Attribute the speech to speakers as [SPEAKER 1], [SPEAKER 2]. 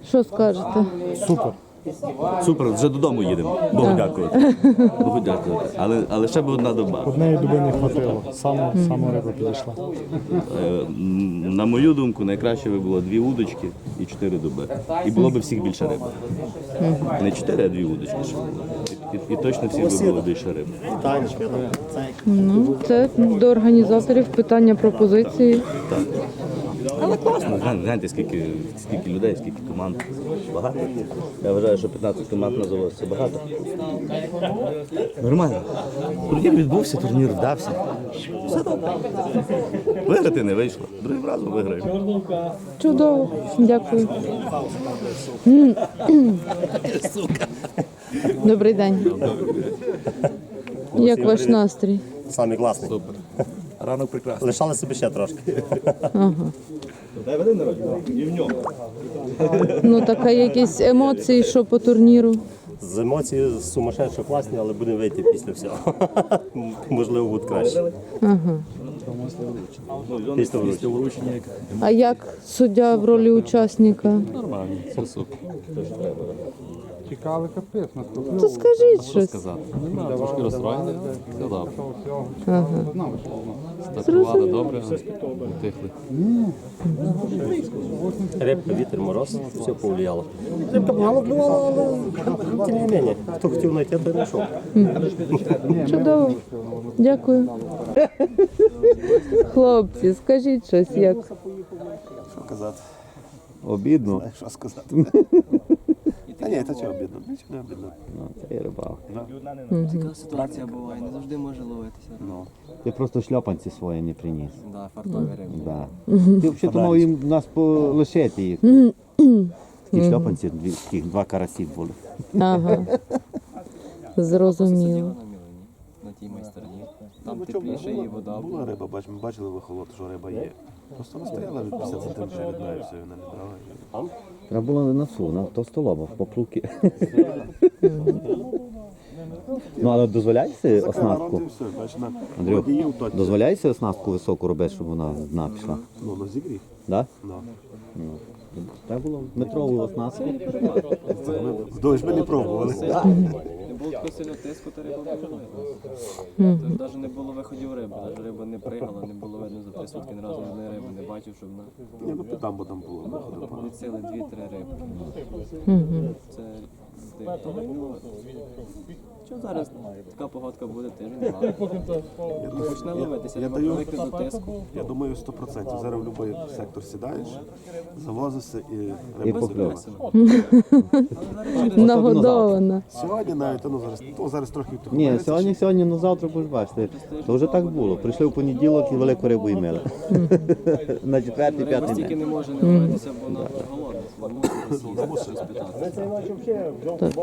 [SPEAKER 1] Що скажете?
[SPEAKER 2] Супер.
[SPEAKER 3] Супер, вже додому їдемо. Богу дякувати. Богу дякувати. Але ще б одна доба.
[SPEAKER 2] Однієї доби не хватило. Саме риба підійшла.
[SPEAKER 3] На мою думку, найкраще би було 2 удочки і 4 доби. І було б всіх більше риби. Не 4, а 2 удочки ще було. І точно всіх би було більше риби.
[SPEAKER 1] Ну, це до організаторів питання пропозиції.
[SPEAKER 3] Але класно. Гляньте, скільки людей, скільки команд. Багато. Я вважаю, що 15 команд називалося це багато. Нормально. Турнір відбувся, турнір вдався. Все добре. Виграти не вийшло. Другим разом виграємо.
[SPEAKER 1] Чудово. Дякую. Добрий день. Як ваш настрій?
[SPEAKER 4] Самий класний.
[SPEAKER 3] Супер. Ранок прекрасний.
[SPEAKER 4] Лишали собі ще трошки.
[SPEAKER 3] Дай води народження. І в ньому.
[SPEAKER 1] Ну, така якісь емоції, що по турніру.
[SPEAKER 4] З емоції сумасшедшо класні, але будемо вийти після всього. Можливо, буде краще. Після вручення.
[SPEAKER 1] А як суддя в ролі учасника?
[SPEAKER 3] Нормально, все супер.
[SPEAKER 2] Цікавий капець.
[SPEAKER 1] То скажіть щось.
[SPEAKER 5] Трошки розстроєний, все добре.
[SPEAKER 1] Зрозуміло.
[SPEAKER 5] Стартували добре, втихли.
[SPEAKER 4] Рибка, вітер, мороз, все повлияло. Рибка мало клювала, але тим не менше. Хто хотів знайти, той знайшов.
[SPEAKER 1] Чудово. Дякую. Хлопці, скажіть щось, як?
[SPEAKER 6] Що казати?
[SPEAKER 3] Обідно.
[SPEAKER 6] Що сказати? Та ні, та чого обідно? Нічого не обідно.
[SPEAKER 3] Це і рибалка.
[SPEAKER 7] Така ситуація буває, не завжди може ловитися.
[SPEAKER 8] Ти просто шльопанці свої не приніс.
[SPEAKER 7] Да, фартові риби.
[SPEAKER 8] Да. Ти взагалі мав їм нас полишити їх. Ті шльопанці, таких 2 карасі були.
[SPEAKER 1] Ага. Зрозуміло.
[SPEAKER 7] На Мілені, на тій майстерні. Там тепліше і вода
[SPEAKER 6] Була риба, ми бачили вихолод, що риба є. Просто вона стояла від 50 сантиметрів від неї, все, вона не брала.
[SPEAKER 8] Треба було на носу, на товстолоба, по плуки. Ну, але дозволяється оснастку?
[SPEAKER 6] Все, бачиш, на
[SPEAKER 8] Андрюх,
[SPEAKER 6] водіїв точно.
[SPEAKER 8] дозволяється оснастку високу робити, щоб вона з дна пішла?
[SPEAKER 6] Ну, на зігріх.
[SPEAKER 8] Да?
[SPEAKER 6] Ну.
[SPEAKER 8] Треба було метрову оснастку.
[SPEAKER 6] Вдовж ми не пробували.
[SPEAKER 7] Не було такого сильного тиску, та риба була. Тож навіть не було виходів риби, навіть риба не пригала, не було видно за 3 сутки ні разу жодної риби, не бачив, щоб вона
[SPEAKER 6] Ні, ну підам, бо там було.
[SPEAKER 7] від сили 2-3 риби. Це дивно. Що зараз така погодка буде, тиждень-два. Почне ловитися,
[SPEAKER 6] Я
[SPEAKER 7] риба
[SPEAKER 6] даю-
[SPEAKER 7] привикне до тиску.
[SPEAKER 6] Я думаю, 100%. Зараз в будь-який сектор сідаєш, завозишся і
[SPEAKER 8] І
[SPEAKER 6] риба
[SPEAKER 8] покльов.
[SPEAKER 6] з'явилася.
[SPEAKER 1] Нагодована.
[SPEAKER 6] Сьогодні навіть, зараз трохи
[SPEAKER 8] Ні, сьогодні, ну завтра будеш бачити. То вже так було. Прийшли в понеділок і велику рибу їмели. На 4-5
[SPEAKER 7] Риба стільки
[SPEAKER 8] день.
[SPEAKER 7] не може не ловитися, бо вона голодна. Вона мусить розпитати.